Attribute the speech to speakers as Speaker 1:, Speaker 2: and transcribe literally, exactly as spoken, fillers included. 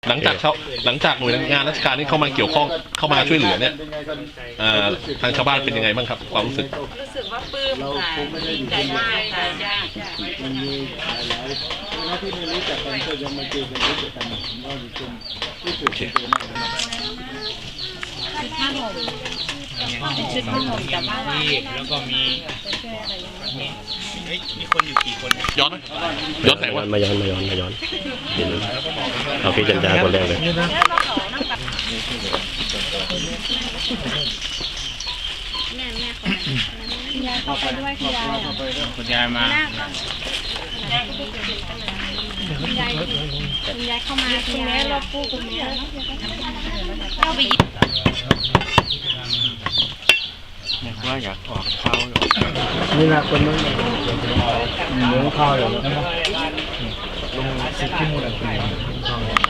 Speaker 1: หลังจากเขาหลังจากหน่วยงานราชการที่เข้ามาเกี่ยวข้องเข้ามาช่วยเหลือเนี่ยทางชาวบ้านเป็นยังไงบ้างครับความรู้สึก
Speaker 2: รู้สึกว่าปลื้มค่ะดีใจมากค่ะ
Speaker 3: มันมีหลายหลายหน้าที่ไม่รู้จักกันก็ยังมาเจอกันรู้จักกันก็ดีขึ้นรู้สึกดีมาก
Speaker 2: ผ้าห่มชุดผ้าห่มแต่ว่า
Speaker 4: แล้วก็มีมีคนอยู่กี่คน
Speaker 1: ย้อนไหมย้อนไหนวะ
Speaker 5: มาย้อนมาย้อนมาย้อนเอาพี่จันจาคนแรกเลย
Speaker 2: แม่แม่คุณยายเข้าไปด้วยคุณยาย
Speaker 4: คุณยายมา
Speaker 2: คุณยายคุณยายเข้ามาคุณแม่เราพูดคุณแม่เข้าไปยิบ
Speaker 4: เนี่ยว่าอยากออกเขา
Speaker 3: นี่แหละคนนั้นหมูข้าวอย่างนั้น
Speaker 4: ลงสิบที่มูล